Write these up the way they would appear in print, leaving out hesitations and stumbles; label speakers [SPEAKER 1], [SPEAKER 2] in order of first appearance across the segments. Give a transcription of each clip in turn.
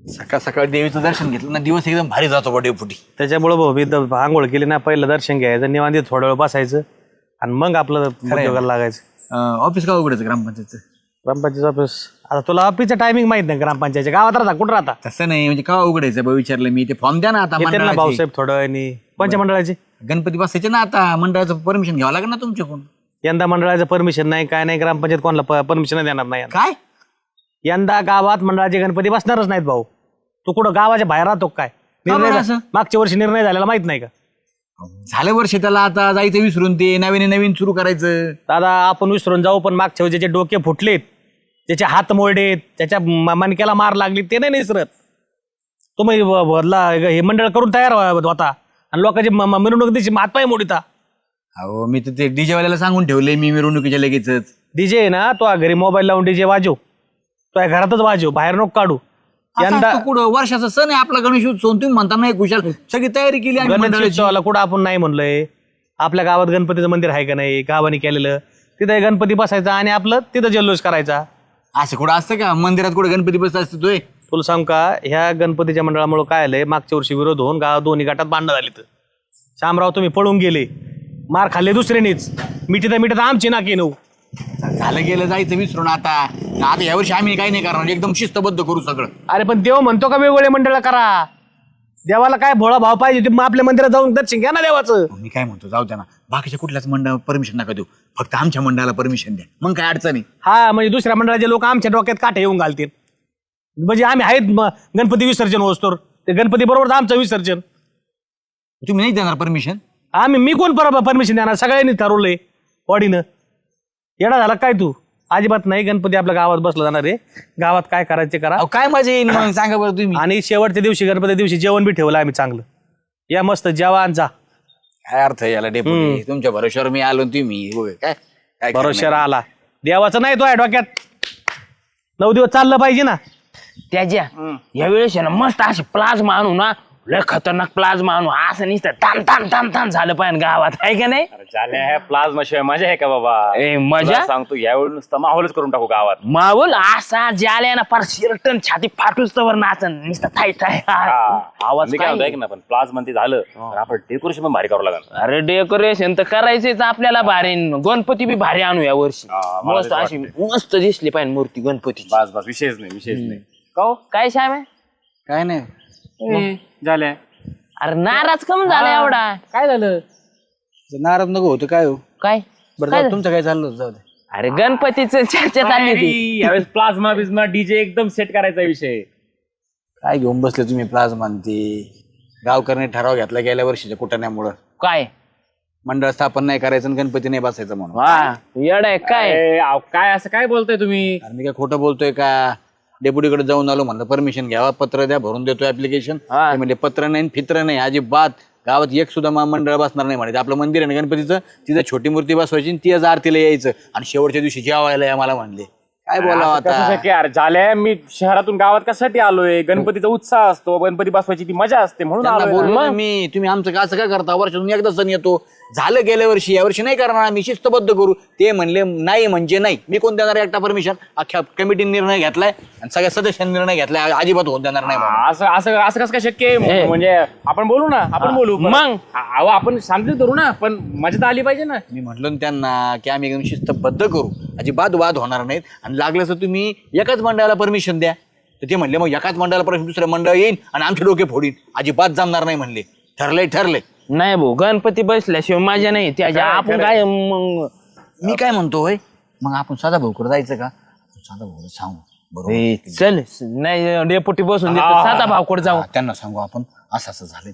[SPEAKER 1] सकाळ सकाळ देवीचं दर्शन घेतलं ना दिवस एकदम भारी जातो बा डेपुटी.
[SPEAKER 2] त्याच्यामुळे भाऊ मी आंघोळ केली ना, पहिलं दर्शन घ्यायचं, निवांत थोडा वेळ बसायचं आणि मग आपलं उद्योगाला लागायचं.
[SPEAKER 1] ऑफिस का उघडायचं ग्रामपंचायतचं?
[SPEAKER 2] ग्रामपंचायत ऑफिस आता तुला ऑफिसचं टायमिंग माहित नाही ग्रामपंचायतच्या गावात राहता कुठं राहता?
[SPEAKER 1] तसं नाही म्हणजे का उघडायचं बा विचारलं मी. ते फॉर्म द्या ना आता
[SPEAKER 2] येते ना
[SPEAKER 1] मंडळाचे.
[SPEAKER 2] भाऊसाहेब थोडं आणि पंचमंडळाची
[SPEAKER 1] गणपती बसायचे ना आता, मंडळाचं परमिशन घ्यावं लागेल ना तुमच्याकडून.
[SPEAKER 2] यंदा मंडळाचं परमिशन नाही, काय नाही, ग्रामपंचायत कोणाला परमिशन देणार नाही.
[SPEAKER 1] काय
[SPEAKER 2] यंदा गावात मंडळाचे गणपती बसणारच नाहीत भाऊ. तू कुठं गावाच्या बाहेर राहतो काय?
[SPEAKER 1] का बरं
[SPEAKER 2] निर्णय
[SPEAKER 1] असं?
[SPEAKER 2] मागच्या वर्षी निर्णय झालेला माहित नाही का?
[SPEAKER 1] झालं वर्ष त्याला, आता जायचं विसरून ते नवीन सुरू करायचं.
[SPEAKER 2] दादा आपण विसरून जाऊ, पण मागच्या वेळी ज्याचे डोके फुटलेत, ज्याचे हात मोडलेत, त्याच्या मणक्याला मार लागली ते नाही विसरत. तुम्ही हे मंडळ करून तयार होता आणि लोकांची मिरवणूक दिवशी हातपाय मोडिता.
[SPEAKER 1] अहो मी तर ते डीजे वाल्याला सांगून ठेवले मी मिरवणुकीच्या लगेचच.
[SPEAKER 2] डीजे आहे ना, तो घरी मोबाईल लावून डीजे वाजव, तो घरातच वाजव, बाहेर नको काढू.
[SPEAKER 1] यंदा कुठं वर्षाचा सण आहे आपला गणेश उत्सव, तुम्ही म्हणता नाही कुशाल सगळी तयारी केली आणि मंडळाची.
[SPEAKER 2] गणेशोत्सवाला कुठं आपण नाही म्हणलोय. आपल्या गावात गणपतीचं मंदिर आहे का नाही, गावाने केलेलं, तिथे गणपती बसायचा आणि आपलं तिथं जल्लोष करायचा.
[SPEAKER 1] असं कुठं असतं का? मंदिरात कुठं गणपती बसत असतोय?
[SPEAKER 2] तुला सांग का, ह्या गणपतीच्या मंडळामुळे काय आलंय, मागच्या वर्षी विरोध होऊन गावात दोन्ही गटात भांडणं झाली. तर शामराव तुम्ही पळून गेले, मार खाल्ले दुसऱ्यानेच, मिठीत आमची नाकी नऊ.
[SPEAKER 1] झालं गेलं, जायचं विसरून. आता यावर्षी आम्ही काही नाही करणार, एकदम शिस्तबद्ध करू सगळं.
[SPEAKER 2] अरे पण देव म्हणतो का वेगवेगळे मंडळ करा? देवाला काय भोळा भाव पाहिजे, ते मग आपल्या मंदिरात जाऊन दर्शन घ्या ना देवाचं.
[SPEAKER 1] मी काय म्हणतो, जाऊ द्या ना, बाकीच्या कुठल्याच मंडळाला परमिशन नका देऊ, फक्त आमच्या मंडळाला परमिशन द्या, मग काय अडचण आहे.
[SPEAKER 2] हा म्हणजे दुसऱ्या मंडळाचे लोक आमच्या डोक्यात काठे येऊन घालतील, म्हणजे आम्ही आहेत गणपती विसर्जन होतोर, ते गणपती बरोबर आमचं विसर्जन.
[SPEAKER 1] तुम्ही नाही देणार परमिशन?
[SPEAKER 2] मी कोण परमिशन देणार? सगळ्यांनी ठरवलंय बॉडीनं. येडा झाला काय तू? अजिबात नाही, गणपती आपल्या गावात बसला जाणार आहे, गावात काय करायचे करा.
[SPEAKER 1] अहो काय मजा येईल मग सांगा बरं तुम्ही.
[SPEAKER 2] आणि शेवटच्या दिवशी गणपती दिवशी जेवण बी ठेवलं आम्ही चांगलं. या मस्त जेवा आणि जा.
[SPEAKER 1] काय अर्थ आहे याला डेपुटी? तुमच्या भरोश्यावर मी आलो, तुम्ही काय काय
[SPEAKER 2] भरोश्याला आला, देवाचं नाही तो आहे डोक्यात. 9 दिवस चाललं पाहिजे ना.
[SPEAKER 3] त्याच्या या वेळेस ना मस्त असे प्लाझ्मा आणू ना, लय खतरनाक प्लाझ्मा आणू, असं नुसतं तान तान तान तान झालं पाहिजे गावात, आहे का नाही?
[SPEAKER 4] झाल्या प्लाझ्मा शिवाय मजा आहे का बाबा?
[SPEAKER 3] ए मजा
[SPEAKER 4] तुला सांगतो यावेळी नुसतं माहोलच करून टाकू गावात.
[SPEAKER 3] मावल असा ज्याला ना फार शिरटन छाती फाटूच तवर नाचन नुसतं थाय थाय आवाज
[SPEAKER 4] मी काय म्हणतो
[SPEAKER 3] काय?
[SPEAKER 4] ऐक ना, पण प्लाझ्मा ते झालं तर आपण डेकोरेशन पण भारी करावं लागेल.
[SPEAKER 3] अरे डेकोरेशन तर करायचंच आपल्याला भारी, गणपती बी भारी आणू या वर्षी.
[SPEAKER 4] मला
[SPEAKER 3] मस्त
[SPEAKER 4] तेच
[SPEAKER 3] अशी मस्त दिसली पाहिजे मूर्ती गणपतीची.
[SPEAKER 4] बस विषयच नाही.
[SPEAKER 3] काय श्याम आहे?
[SPEAKER 1] काय नाही
[SPEAKER 4] झाल्या
[SPEAKER 3] अरे नाराज कम झाला एवढा? काय झालं?
[SPEAKER 1] नाराज नको होतं काय हो.
[SPEAKER 3] काय
[SPEAKER 1] बरं
[SPEAKER 3] काय
[SPEAKER 1] जाऊ, तुमचं काय चाललं होतं, जाऊ दे.
[SPEAKER 3] अरे गणपतीचं चर्चा चालली होती.
[SPEAKER 4] यावेळेस प्लाझ्मा बिझमा डीजे एकदम सेट करायचा विषय.
[SPEAKER 1] काय घेऊन बसले तुम्ही प्लाझ्मा ते? गावकऱ्यांनी ठराव घेतला गेल्या वर्षीच्या कुटण्यामुळं,
[SPEAKER 3] काय
[SPEAKER 1] मंडळ स्थापन नाही करायचं आणि गणपती नाही बसायचं म्हणून.
[SPEAKER 3] वा येड आहे काय?
[SPEAKER 4] काय असं काय बोलताय तुम्ही?
[SPEAKER 1] अरे मी काय खोटं बोलतोय का? डेप्युटीकडे जाऊन आलो, म्हणलं परमिशन घ्यावा, पत्र द्या, भरून देतो ऍप्लिकेशन. म्हणजे पत्र नाही फित्र नाही अजिबात, गावात एक सुद्धा मंडळ बसणार नाही म्हणे. आपलं मंदिर आहे ना गणपतीचं, तिथं छोटी मूर्ती बसवायची आणि ती आरतीला यायचं आणि शेवटच्या दिवशी जेवायला या मला म्हणले. काय बोलावं
[SPEAKER 4] कसं
[SPEAKER 1] आता?
[SPEAKER 4] शक्य यार? झाल्या मी शहरातून गावात कशासाठी आलोय? गणपतीचा उत्साह असतो, गणपती बसवायची ती मजा असते म्हणून
[SPEAKER 1] त्यांना
[SPEAKER 4] आलोय.
[SPEAKER 1] बोललो मी, तुम्ही आमचं का असं काय करता? वर्षातून एकदा सण येतो, झालं गेल्या वर्षी, यावर्षी नाही करणार आम्ही, शिस्तबद्ध करू. ते म्हणले नाही म्हणजे नाही. मी कोण देणार एकटा परमिशन? अख्ख्या कमिटीने निर्णय घेतलाय आणि सगळ्या सदस्यांनी निर्णय घेतलाय, अजिबात होत देणार नाही म्हणून.
[SPEAKER 4] असं कसं काय शक्य आहे? म्हणजे आपण बोलू ना, आपण बोलू
[SPEAKER 3] मग?
[SPEAKER 4] अहो आपण शांततेत धरू ना, पण मजा तर आली पाहिजे ना.
[SPEAKER 1] मी म्हटलं ना त्यांना की आम्ही एकदम शिस्तबद्ध करू, अजिबात वाद होणार नाहीत. आणि लागलं तर तुम्ही एकाच मंडळाला परमिशन द्या. तर ते म्हणले मग एकाच मंडळाला परमिशन, दुसरं मंडळ येईल आणि आमचे डोके फोडीन, अजिबात जमणार नाही म्हणले. ठरलंय.
[SPEAKER 3] नाही भाऊ, गणपती बसल्याशिवाय मजा नाही त्याच्या. आपण काय मग?
[SPEAKER 1] मी काय म्हणतो होय, मग आपण साधा भाऊकडे जायचं का? साधा भाऊ सांगू बरोबर,
[SPEAKER 3] ए, चल नाही डेपुटी बसून देतो, साधा भावकडे जाऊ.
[SPEAKER 1] त्यांना सांगू आपण असं झालंय,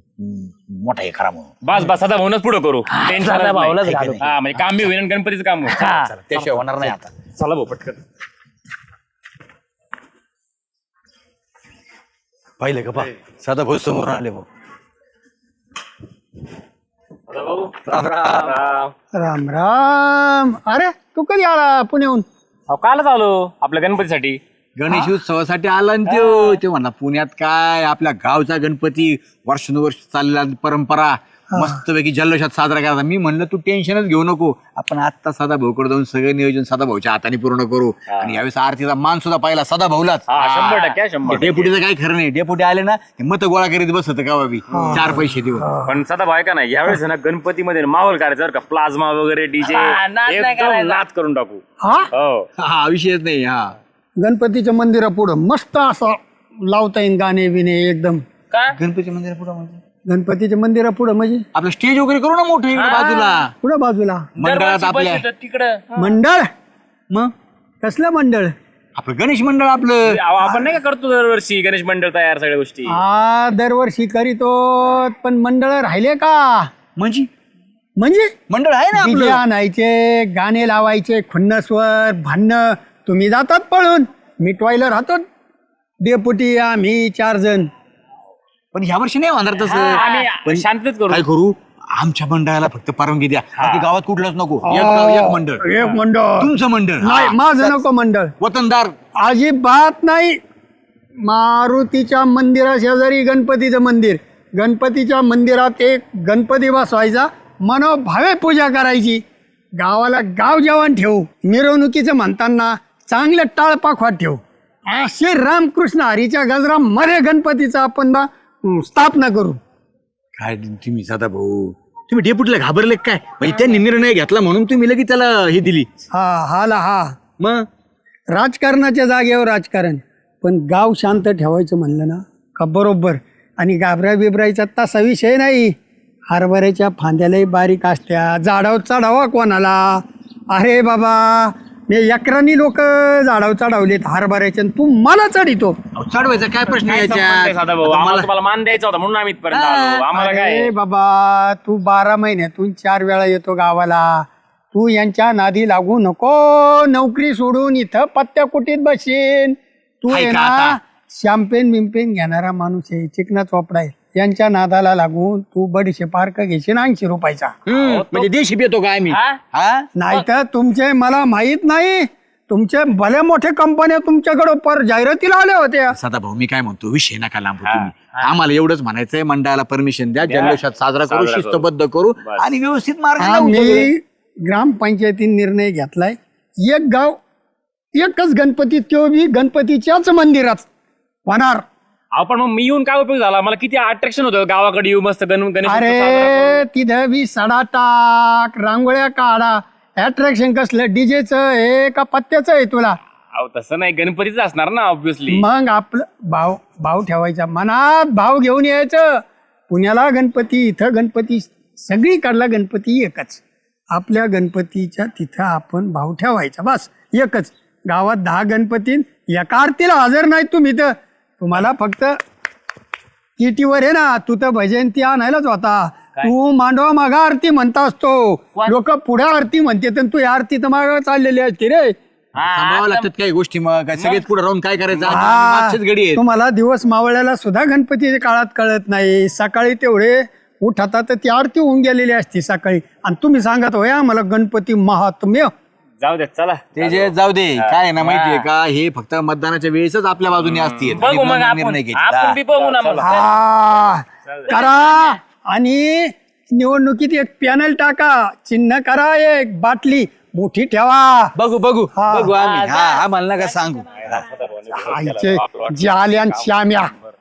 [SPEAKER 1] तुम्ही मोठा हे करा म्हणून.
[SPEAKER 4] बस आता भाऊनच पुढे करू. टेन्शन
[SPEAKER 3] साधा भाऊलाच
[SPEAKER 4] नाही.
[SPEAKER 3] घालू.
[SPEAKER 4] हा, म्हणजे काम बी होईल आणि गणपतीचं काम होईल.
[SPEAKER 3] हा.
[SPEAKER 1] चला, त्याशिवाय होणार नाही आता.
[SPEAKER 4] चला भाऊ पटकन.
[SPEAKER 1] पाहिलं का पा, साधा भाऊ समोर आले भाऊ.
[SPEAKER 5] राम राम. अरे तू कधी आला पुण्याहून?
[SPEAKER 4] कालच आलो आपल्या गणपतीसाठी.
[SPEAKER 1] गणेश उत्सवासाठी आला ना ते म्हणला पुण्यात काय आपल्या गावचा गणपती वर्षानुवर्ष चाललेला परंपरा मस्तपैकी जल्लोषात साजरा करायचा. मी म्हणलं तू टेन्शनच घेऊ नको, आपण आत्ता सदा भाऊकडे जाऊन सगळं नियोजन सदा भाऊच्या हाताने पूर्ण करू. आणि यावेळेस आरतीचा मान सुद्धा पाहिला सदा भाऊलाच.
[SPEAKER 4] 100% 100%.
[SPEAKER 1] डेपुटीचं काही खरं नाही. डेपुटी आले ना मत गोळा करीत बसत का बाबी 4 पैसे देऊन.
[SPEAKER 4] पण सदा भाई का नाही यावेळेस ना गणपतीमध्ये माहोल करायचा बरं का, प्लाझ्मा वगैरे डीजे
[SPEAKER 3] नाच नाही
[SPEAKER 4] एकदम
[SPEAKER 3] करायचा.
[SPEAKER 4] नाच करून टाकू.
[SPEAKER 5] हा
[SPEAKER 4] हो
[SPEAKER 1] हा विषयच नाही. हा
[SPEAKER 5] गणपतीच्या मंदिरापुढं मस्त असं लावता येईल गाणे बिणे एकदम.
[SPEAKER 3] का
[SPEAKER 1] गणपती मंदिर पुढं म्हणजे
[SPEAKER 5] गणपतीच्या मंदिरापुढं म्हणजे
[SPEAKER 1] आपलं स्टेज वगैरे करू ना मोठं इकडे बाजूला
[SPEAKER 5] पुढं बाजूला
[SPEAKER 1] मंडळात आपल्या.
[SPEAKER 3] तिकडं
[SPEAKER 5] मंडळ.
[SPEAKER 1] मग
[SPEAKER 5] कसलं मंडळ?
[SPEAKER 1] आपलं गणेश मंडळ आपलं.
[SPEAKER 4] आपण नाही का करतो दरवर्षी गणेश मंडळ तयार सगळ्या गोष्टी.
[SPEAKER 5] हा दरवर्षी करीतो, पण मंडळ राहिले का? म्हणजे
[SPEAKER 1] मंडळ आहे ना
[SPEAKER 5] डीजे
[SPEAKER 1] आपलं.
[SPEAKER 5] आणायचे, गाणे लावायचे, खुन्नसवर भांडणं. तुम्ही जातात पळून, मिटवायला राहतो डेपुटी आम्ही 4 जण.
[SPEAKER 1] पण ह्या वर्षी नाही होणार तसं.
[SPEAKER 4] आम्ही शांततेत करू.
[SPEAKER 1] काय करू, आमच्या मंडळाला फक्त परवानगी द्या, बाकी गावात कुठलंच नको. एक गाव एक मंडळ.
[SPEAKER 5] एक मंडळ
[SPEAKER 1] तुमचं मंडळ.
[SPEAKER 5] नाही, माझं नको मंडळ.
[SPEAKER 1] वतनदार.
[SPEAKER 5] अजिबात नाही. मारुतीच्या मंदिरा शेजारी गणपतीचं मंदिर, गणपतीच्या मंदिरात एक गणपती बसवायचा, मनोभावे पूजा करायची. गावाला गाव जेवण ठेवू, मिरवणुकीचं म्हणताना चांगलं टाळपाखवाट ठेवू. असे रामकृष्ण हरीच्या गजरामध्ये गणपतीचा आपण स्थापना करू.
[SPEAKER 1] काय तुम्ही सदा भाऊ, तुम्ही डेपुटीला घाबरले काय? म्हणजे त्यांनी निर्णय घेतला म्हणून तुम्ही लगेच त्याला हे दिली.
[SPEAKER 5] हा
[SPEAKER 1] मग
[SPEAKER 5] राजकारणाच्या जागेवर राजकारण, पण गाव शांत ठेवायचं म्हणलं ना का बरोबर. आणि घाबरा बिबरायचा तसा विषय नाही. हरभऱ्याच्या फांद्यालाही बारीक असत्या, झाडावर चढावा कोणाला. अरे बाबा, मी एकरांनी लोक झाडावर चढवलेत हरभऱ्याच्या, तू मला चढितो.
[SPEAKER 1] चढवायचा काय प्रश्न
[SPEAKER 4] काय संबंध आहे
[SPEAKER 1] याच्या?
[SPEAKER 4] सदा भाऊ, आम्हाला तुम्हाला मान द्यायचा होता म्हणून आम्ही इथपर्यंत आलो. आम्हाला काय
[SPEAKER 5] अरे बाबा, तू 12 महिन्यातून 4 वेळा येतो गावाला. तू यांच्या नादी लागू नको. नोकरी सोडून इथं पत्त्या कुटीत बसेन. तू
[SPEAKER 1] हाय
[SPEAKER 5] आहे
[SPEAKER 1] का
[SPEAKER 5] ना
[SPEAKER 1] आता?
[SPEAKER 5] शॅम्पेन बिम्पेन घेणारा माणूस आहे, चिकना चोपडा आहे. यांच्या नादाला लागून तू बडीशे पार्क घेशील 80 रुपयाचा.
[SPEAKER 1] म्हणजे देशी येतो काय आम्ही? हा?
[SPEAKER 5] नाही तर तुमचे मला माहित नाही, तुमचे भले मोठे कंपन्या तुमच्याकडे पर जाहिरातीला आल्या होत्या.
[SPEAKER 1] सदा भाऊ, मी काय म्हणतो, विषय नका लांबू तुम्ही. आम्हाला एवढंच म्हणायचंय, मंडळाला परमिशन द्या, जल्लोषात साजरा करू, शिस्तबद्ध करू आणि व्यवस्थित मार्ग लावू सगळे.
[SPEAKER 5] आम्ही ग्रामपंचायतीने निर्णय घेतलाय, एक गाव एकच गणपती, तो बी गणपतीच्याच मंदिरात होणार.
[SPEAKER 4] आपण मग मी येऊन काय उपयोग झाला? मला किती अट्रॅक्शन होतं गावाकडे येऊ, मस्त गणेश उत्सव साजरा
[SPEAKER 5] अरे तिथं बी सडा टाक, रांगोळ्या काढा. अट्रॅक्शन कसलं, डीजेचं हे का पत्त्याचं आहे तुला?
[SPEAKER 4] अहो, तसं नाही, गणपतीच असणार ना ऑब्विसली.
[SPEAKER 5] मग आपलं भाव ठेवायचा, मनात भाव घेऊन यायचं. पुण्याला गणपती, इथं गणपती, सगळीकडला गणपती एकच. आपल्या गणपतीच्या तिथं आपण भाव ठेवायचा, बस एकच. गावात 10 गणपती, एका आरतीला हजर नाही तुम्ही, तर तुम्हाला फक्त किटीवर आहे ना, तू तर भजंती आणायलाच होता. तू मांडवा मागा आरती म्हणता असतो, लोक पुढे आरती म्हणते, तर तू आरती तर मागा चाललेली असते रे.
[SPEAKER 1] सांभाळावं लागतात काही गोष्टी. मग काय सगळेच पुढे राहून काय करायचं?
[SPEAKER 5] हा,
[SPEAKER 1] मागचेच गडी आहेत.
[SPEAKER 5] तुम्हाला दिवस मावळ्याला सुद्धा गणपतीच्या काळात कळत नाही. सकाळी तेवढे उठतात तर ती आरती होऊन गेलेली असते सकाळी, आणि तुम्ही सांगत होय आम्हाला गणपती महात्म्य.
[SPEAKER 4] जाऊ दे, चला
[SPEAKER 1] ते जे जाऊ दे, काय आहे ना माहितीये का, हे फक्त मतदानाच्या वेळेसच आपल्या बाजूने असते.
[SPEAKER 3] बघू मग आपण बी बघू ना मग.
[SPEAKER 5] हा करा. आणि निवडणुकीत एक पॅनल टाका, चिन्ह करा, एक बाटली मोठी ठेवा.
[SPEAKER 1] बघू
[SPEAKER 5] हा.
[SPEAKER 1] बघू आम्ही. हा आम्हाला नका सांगू.
[SPEAKER 5] आईचे जाल्यान श्याम्या.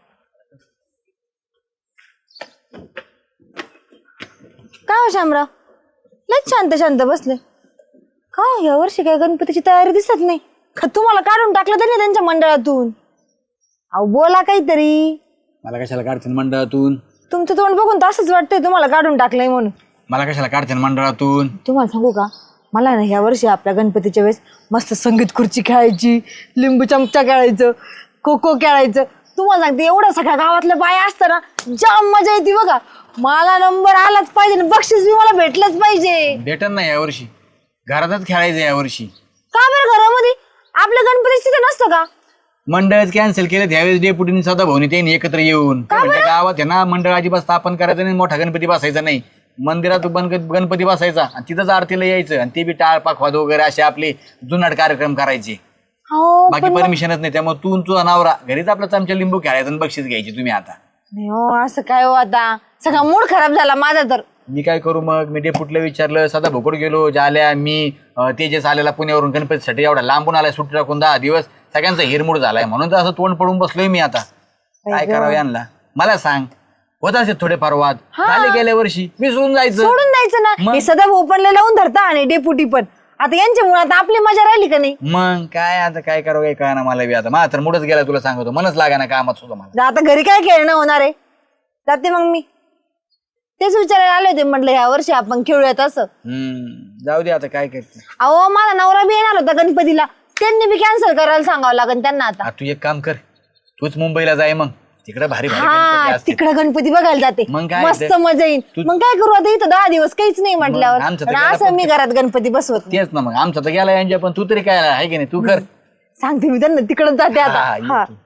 [SPEAKER 6] काय हो शामराव, लय शांत बसले का? या वर्षी काय गणपतीची तयारी दिसत नाही का? तुम्हाला काढून टाकलं तरी त्यांच्या मंडळातून. अहो बोला काहीतरी.
[SPEAKER 1] मला कशाला काढतील मंडळातून?
[SPEAKER 6] तुमचं तोंड बघून तर असंच वाटतंय तुम्हाला काढून टाकलंय म्हणून.
[SPEAKER 1] मला कशाला काढतील मंडळातून?
[SPEAKER 6] तुम्हाला सांगू का, मला ना ह्या वर्षी आपल्या गणपतीच्या वेळेस मस्त संगीत खुर्ची खेळायची, लिंबू चमचा खेळायचं, खो खो खेळायचं. तुम्हाला सांगते, एवढं सगळ्या गावातल्या बाया असतं ना, जाम मजा येते बघा. मला नंबर आलाच पाहिजे, बक्षीस बी मला भेटलंच पाहिजे.
[SPEAKER 1] भेटन ना यावर्षी, घरातच खेळायचं यावर्षी.
[SPEAKER 6] का बरं घरामध्ये? आपल्या गणपती तिथे नसतं का?
[SPEAKER 1] मंडळच कॅन्सल केलं त्यावेळेस डेपुटीने सदा भाऊनी त्यांनी एकत्र येऊन गावात आहे ना, मंडळ अजिबात स्थापन करायचं नाही, मोठा गणपती बसायचा नाही, मंदिरात गणपती बसायचा आणि तिथंच आरतीला यायचं, आणि ते बी टाळपाखवाद वगैरे असे आपले जुनाट कार्यक्रम करायचे.
[SPEAKER 6] हो,
[SPEAKER 1] बाकी परमिशनच नाही. त्यामुळे तू तुझा नवरा घरीच आपला चमचा लिंबू खेळायचा आणि बक्षीस घ्यायची तुम्ही. आता
[SPEAKER 6] नाही हो, असं काय हो आता सगळा मूड खराब झाला माझा तर.
[SPEAKER 1] मी काय करू मग? मी डेपुटीला विचारलं, सदा भोकड गेलो, जाल्या मी तेजस आलेला पुण्यावरून गणपतीसाठी एवढा लांबून आलाय सुट्टी टाकून 10 दिवस, सगळ्यांचा हिरमूड झालाय म्हणून तर असं तोंड पडून बसलोय मी आता. काय करावं यांना मला सांग. होत असे थोडेफार वाद झाले गेल्या वर्षी, विसरून जायचं.
[SPEAKER 6] सोडून द्यायचं ना. हे सदा ओपनला लावून धरता आणि डेपुटी पण. आता यांच्यामुळे आता आपली मजा राहिली का नाही?
[SPEAKER 1] मग काय आता काय करावं काय कळना मला बी आता. माझा तर मूडच गेला तुला सांगतो, मनच लागा ना कामात सुद्धा मला.
[SPEAKER 6] आता घरी काय खेळणं होणार आहे? जाते मग मी. तेच विचारायला आले होते, म्हटलं ह्या वर्षी आपण खेळूयात असं.
[SPEAKER 1] जाऊ दे आता काय करते.
[SPEAKER 6] अहो माझा नवरा बी येणार होता गणपतीला, त्यांनी बी कॅन्सल करायला सांगावं लागेल त्यांना आता.
[SPEAKER 1] तू एक काम कर, तूच मुंबईला जाय मग, तिकडे भारी भारी गणपती
[SPEAKER 6] हा
[SPEAKER 1] असतील.
[SPEAKER 6] तिकडे गणपती बघायला जाते,
[SPEAKER 1] मग काय
[SPEAKER 6] मस्त
[SPEAKER 1] ते?
[SPEAKER 6] मजा येईल. मग काय करू आता, इथं 10 दिवस काहीच नाही म्हटल्यावर.
[SPEAKER 1] आमचं तर
[SPEAKER 6] आणि
[SPEAKER 1] गेला
[SPEAKER 6] असं मी घरात गणपती बसवत नाही.
[SPEAKER 1] तेच ना मग, आमचा तर गेला यांच्या, पण तू तरी काय आहे की नाही, तू कर.
[SPEAKER 6] सांगते मी त्यांना, तिकडच जाते आता.
[SPEAKER 1] हा, ये
[SPEAKER 6] हा
[SPEAKER 1] तू.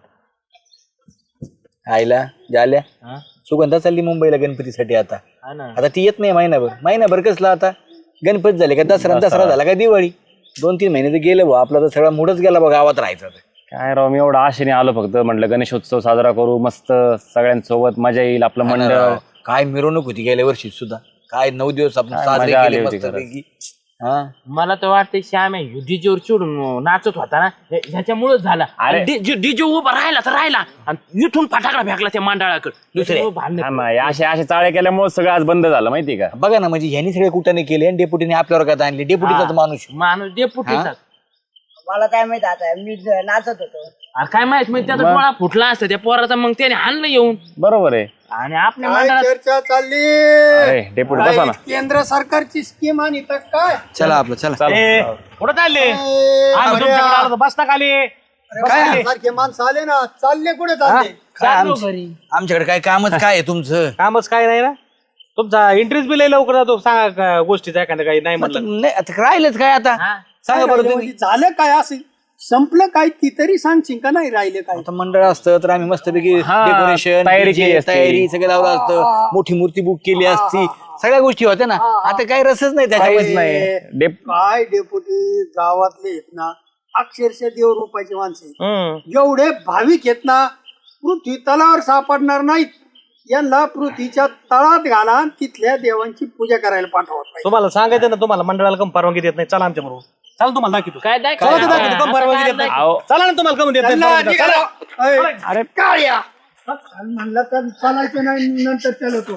[SPEAKER 1] आईला झाल्या सुगंधा चालली मुंबईला गणपतीसाठी आता. आता ती येत नाही महिनाभर कसला आता. गणपती झाले का दसरा झाला का दिवाळी, 2-3 महिने तर गेले भाऊ. आपला तर सगळा मूडच गेला बघ गावात राहायचं.
[SPEAKER 4] काय राव, मी एवढं आशेने आलो फक्त, म्हटलं गणेशोत्सव साजरा करू, मस्त सगळ्यांसोबत मजा येईल, आपलं मंडळ.
[SPEAKER 1] काय मिरवणूक होती गेल्या वर्षी सुद्धा, काय 9 दिवस आपण साजरे
[SPEAKER 4] मजा आली
[SPEAKER 1] केले
[SPEAKER 4] होती
[SPEAKER 1] मस्तपैकी. हा
[SPEAKER 3] मला तर वाटतं श्याम डीजेवर चिडून नाचत होता ना, ह्याच्यामुळेच झाला. डीजे उभा राहिला तर राहिला आणि इथून फटाकडा फेकला त्या मंडळाकडे.
[SPEAKER 1] दुसरे
[SPEAKER 4] असे चाळे केल्यामुळे सगळं आज बंद झालं माहिती का.
[SPEAKER 1] बघा ना, म्हणजे ह्यांनी सगळे कुठाने केले आणि डेपुटीने आपल्यावर का आणले. डेपुटीचाच
[SPEAKER 3] माणूस डेपुटीचा.
[SPEAKER 6] मला काय माहित आता, मी नाचत होतो.
[SPEAKER 3] काय माहित म्हणजे त्याचा डोळा फुटला असता त्या पोराचा, मग त्याने हाणलं येऊन.
[SPEAKER 4] बरोबर आहे.
[SPEAKER 3] आणि आपल्या
[SPEAKER 5] काय
[SPEAKER 3] मंडळात
[SPEAKER 5] चर्चा चालली?
[SPEAKER 4] अरे डेपुटी बसा ना.
[SPEAKER 5] केंद्र सरकारची स्कीम आणि तर काय
[SPEAKER 1] चला आपलं चला.
[SPEAKER 2] ए, कुठं चालले? आम्ही तुमच्याकडे आलो तर बसता खाली.
[SPEAKER 5] काय सारखे माणसं आले ना, चालले कुठे चालले?
[SPEAKER 1] काय आमच्याकडे काय कामच काय आहे तुमचं?
[SPEAKER 2] कामच काय नाही ना. तुमचा इंटरेस्ट बी लय लवकर जातो. सांगा गोष्टीचा एखादं काही नाही म्हटलं.
[SPEAKER 1] नाही आता राहिलंच काय आता, सांगा बरं तुम्ही.
[SPEAKER 5] म्हणजे झालं काय असं, संपलं काय ती तरी सांगशील का? नाही राहिले काय?
[SPEAKER 1] आता मंडळ असतं तर आम्ही मस्तपैकी डेकोरेशन
[SPEAKER 4] तयारी केली असती.
[SPEAKER 1] तयारी सगळं लावलं असतं, मोठी मूर्ती बुक केली असती, सगळ्या गोष्टी होत्या ना. आता काही रसच नाही त्याच्यामध्ये.
[SPEAKER 4] नाही
[SPEAKER 5] काय डेपुटी गावातले आहेत ना, अक्षरशः देव रूपाची माणसं आहेत. जेवढे भाविक आहेत ना, पृथ्वी तलावर सापडणार नाहीत. यांना पृथ्वीच्या तळात घाला आणि तिथल्या देवांची पूजा करायला पाठवत पाहिजे.
[SPEAKER 2] तुम्हाला सांगायचं ना, तुम्हाला मंडळाला कम परवानगी देत नाही. चला आमच्या बरोबर. चला तुम्हाला दाखवतो.
[SPEAKER 3] काय
[SPEAKER 2] चला तर दाखवतो, कम परवानगी देत नाही. चला ना, तुम्हाला कम देत नाही. चला.
[SPEAKER 5] अरे काळ्या म्हणलं तर चालायचं नाही, नंतर चालवतो.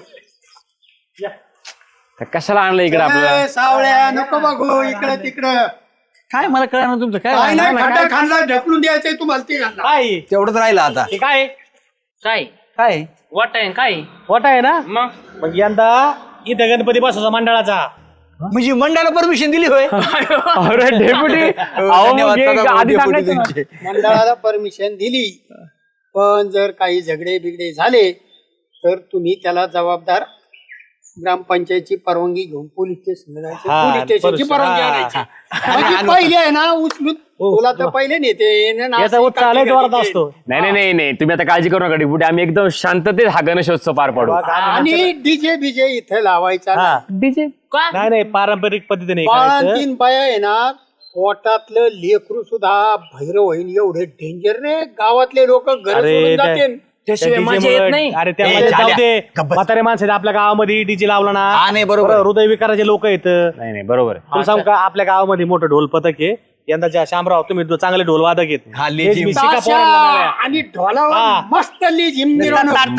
[SPEAKER 4] कशाला आणलं इकडे आपल्याला?
[SPEAKER 5] सावळ्या नको बघू इकडं तिकडं.
[SPEAKER 1] काय मला कळणार तुमचं
[SPEAKER 5] काय
[SPEAKER 1] काय
[SPEAKER 5] नाही, खड्डा खाल्ला ढकलून द्यायचंय तुम्हाला ते घालणार.
[SPEAKER 2] काय
[SPEAKER 1] तेवढंच राहिलं आता.
[SPEAKER 2] हे काय
[SPEAKER 3] काय
[SPEAKER 1] काय
[SPEAKER 3] वाट आहे काय
[SPEAKER 2] वाटा आहे ना?
[SPEAKER 3] मग
[SPEAKER 2] मग यंदा इथं गणपती बसवायचा मंडळाचा.
[SPEAKER 1] म्हणजे मंडळाला परमिशन दिली होय?
[SPEAKER 4] अरे डेपुटी
[SPEAKER 1] धन्यवाद सदाभाऊ
[SPEAKER 4] आधी
[SPEAKER 1] डेपुटी
[SPEAKER 4] सांगायचं ना.
[SPEAKER 1] तुमचे.
[SPEAKER 5] मंडळाला परमिशन दिली, पण जर काही झगडे बिगडे झाले तर तुम्ही त्याला जबाबदार ग्रामपंचायतची परवानगी घेऊन पोलीस स्टेशनला जायचं.
[SPEAKER 2] हा,
[SPEAKER 5] पोलीस स्टेशनची परवानगी
[SPEAKER 2] हा,
[SPEAKER 5] आणायची. म्हणजे पहिले आहे ना उचलून तुला तर पहिले नेते ना,
[SPEAKER 2] याचा
[SPEAKER 5] नाशिक
[SPEAKER 2] उत्साह लय
[SPEAKER 5] काठी
[SPEAKER 2] जोरात
[SPEAKER 5] काठी
[SPEAKER 2] असतो.
[SPEAKER 4] नाही तुम्ही आता काळजी करू नका डेपुटी. आम्ही एकदम शांततेत हा गणेशोत्सव पार पाडू.
[SPEAKER 5] आणि डीजे बीजे इथे लावायचा
[SPEAKER 2] हा.
[SPEAKER 5] नाही.
[SPEAKER 2] नाही नाही, पारंपरिक पद्धतीने करायचं.
[SPEAKER 5] बाळांतीन बाया आहे ना, पोटातलं लेकरू सुद्धा भैरव होईन एवढे डेंजर रे. गावातले लोक घर
[SPEAKER 2] अरे
[SPEAKER 5] सोडून
[SPEAKER 2] त्या-
[SPEAKER 5] जाते.
[SPEAKER 3] त्याशिवाय
[SPEAKER 2] त्या
[SPEAKER 3] मजा
[SPEAKER 2] DJ
[SPEAKER 3] येत
[SPEAKER 2] मुळे-
[SPEAKER 3] नाही.
[SPEAKER 2] अरे त्या
[SPEAKER 1] ए,
[SPEAKER 2] मजा जाऊ
[SPEAKER 1] झाल्या.
[SPEAKER 2] दे.
[SPEAKER 1] गप्प.
[SPEAKER 2] म्हातारे माणसं आहेत आपल्या गावामध्ये डीजे लावला ना,
[SPEAKER 1] हा, नाही, बरोबर.
[SPEAKER 2] हृदय विकाराचे लोक आहेत.
[SPEAKER 4] नाही बरोबर आहे.
[SPEAKER 2] तुम्ही सांगू का, आपल्या गावामध्ये मोठं ढोल पथक आहे. यंदाच्या शामराव तुम्ही चांगले ढोल वादक आहेत.
[SPEAKER 1] हा,
[SPEAKER 2] तेच
[SPEAKER 1] लेझिम.
[SPEAKER 2] मी शिका
[SPEAKER 5] ताशा
[SPEAKER 2] पोरांना नव्या.
[SPEAKER 5] आणि ढोलावर
[SPEAKER 2] हा.
[SPEAKER 5] मस्त लेझिम मिरवणूक.
[SPEAKER 2] आणि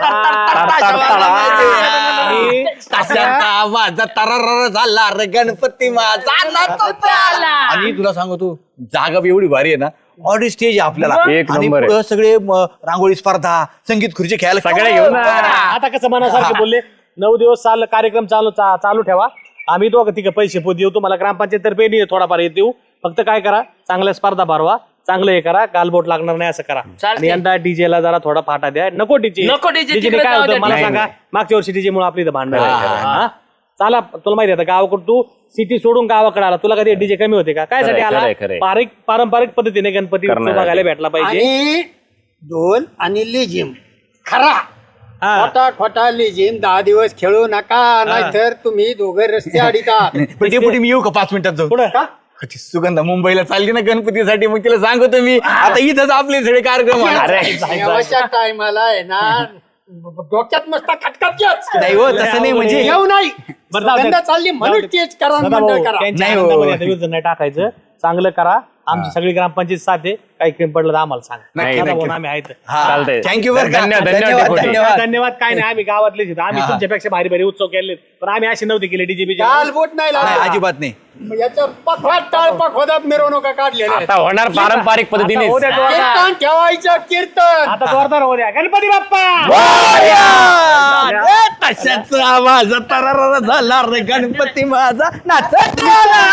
[SPEAKER 1] ताशांचा आवाज तररर झाला रे गणपती माझा नाचत आला. आणि तुला सांगू, तू जागा बी एवढी भारी आहे ना, ऑडी स्टेज आहे आपल्याला.
[SPEAKER 4] एक
[SPEAKER 1] आणि
[SPEAKER 4] नंबर आहे.
[SPEAKER 1] पुढं सगळे रांगोळी स्पर्धा, संगीत खुर्ची खेळायला
[SPEAKER 4] सगळे घेऊन ना.
[SPEAKER 2] आता कसं मनासारखे बोलले, 9 दिवस कार्यक्रम चालू ठेवा. आम्ही दोघं तिघं पैसे देऊ तुम्हाला, ग्रामपंचायत तर्फे थोडाफार येत देऊ. फक्त काय करा, चांगल्या स्पर्धा भरवा, चांगलं हे करा, गालबोट लागणार नाही असं करा. आणि यंदा डीजे ला जरा थोडा फाटा द्या. नको डीजे.
[SPEAKER 3] नको DJ,
[SPEAKER 2] डीजे
[SPEAKER 3] तिकडे
[SPEAKER 2] काय
[SPEAKER 3] जाऊ
[SPEAKER 2] होतं
[SPEAKER 3] द्या.
[SPEAKER 2] मला
[SPEAKER 4] नाही,
[SPEAKER 2] सांगा.
[SPEAKER 4] नाही.
[SPEAKER 2] मागच्या वर्षी डीजे मुळे आपली इथं भांडण झाली. चला, तुला माहिती आहे गावाकडून तू सिटी सोडून गावाकडे आला, तुला कधी डीजे कमी होते का? काय साठी आला?
[SPEAKER 4] खरंय.
[SPEAKER 2] पारंपरिक पद्धतीने गणपती उत्सव
[SPEAKER 4] करणार
[SPEAKER 2] बघायला भेटला पाहिजे.
[SPEAKER 5] आणि ढोल आणि लेझिम खरा खोटा खोटा लेझिम 10 दिवस खेळू नका, नाहीतर तुम्ही दोघे रस्ते अडीता.
[SPEAKER 1] डेपुटी मी येऊ का 5 मिनिटात जाऊ?
[SPEAKER 2] पुढं
[SPEAKER 1] ती सुगंधा मुंबईला चालली ना गणपतीसाठी, मग तिला सांगतो मी आता इथंच आपले सगळे कार्यक्रम होणार.
[SPEAKER 5] देवाच्या टायमाला आहे ना, डोक्यात मस्त खटखटच
[SPEAKER 1] नाही हो तसं नाही म्हणजे
[SPEAKER 5] येऊ नाही
[SPEAKER 2] बरं, जाऊ दे.
[SPEAKER 5] सगळ्यांना चालली म्हणून
[SPEAKER 2] जाऊ दे.
[SPEAKER 5] तेच करा आणि
[SPEAKER 2] सदाभाऊ,
[SPEAKER 5] मंडळ करा
[SPEAKER 2] त्यांच्या
[SPEAKER 1] नाही हो.
[SPEAKER 2] आनंदामध्ये आता विरोध नाही टाकायचं चांगलं करा आमची सगळी ग्रामपंचायत साथ आहे काही कमी पडलं तर आम्हाला सांगा
[SPEAKER 1] नक्की,
[SPEAKER 2] सदाभाऊ,
[SPEAKER 1] नक्की.
[SPEAKER 2] आम्ही आहेत
[SPEAKER 3] चालतंय.
[SPEAKER 1] थँक्यू बरं का.
[SPEAKER 3] धन्यवाद,
[SPEAKER 1] धन्यवाद
[SPEAKER 3] धन्यवाद.
[SPEAKER 1] धन्यवाद
[SPEAKER 2] धन्यवाद काय नाही आम्ही गावातलेच आहेत. आम्ही तुमच्यापेक्षा भारी भारी उत्सव केले पण आम्ही अशी नव्हती केली डीजेबी
[SPEAKER 5] काल बोट नाही
[SPEAKER 1] नाही
[SPEAKER 5] लागला
[SPEAKER 1] अजिबात नाही
[SPEAKER 5] याच्या पखवाट टाळपा खोदात मिरवणुका काढलेल्या आहेत.
[SPEAKER 3] आता होणार पारंपरिक पद्धतीने
[SPEAKER 5] कीर्तन ठेवायचं कीर्तन
[SPEAKER 2] आता जोरदार हो द्या गणपती बाप्पा
[SPEAKER 1] तशाच आवाज तरारा झाला रे गणपती माझा नाचत आला.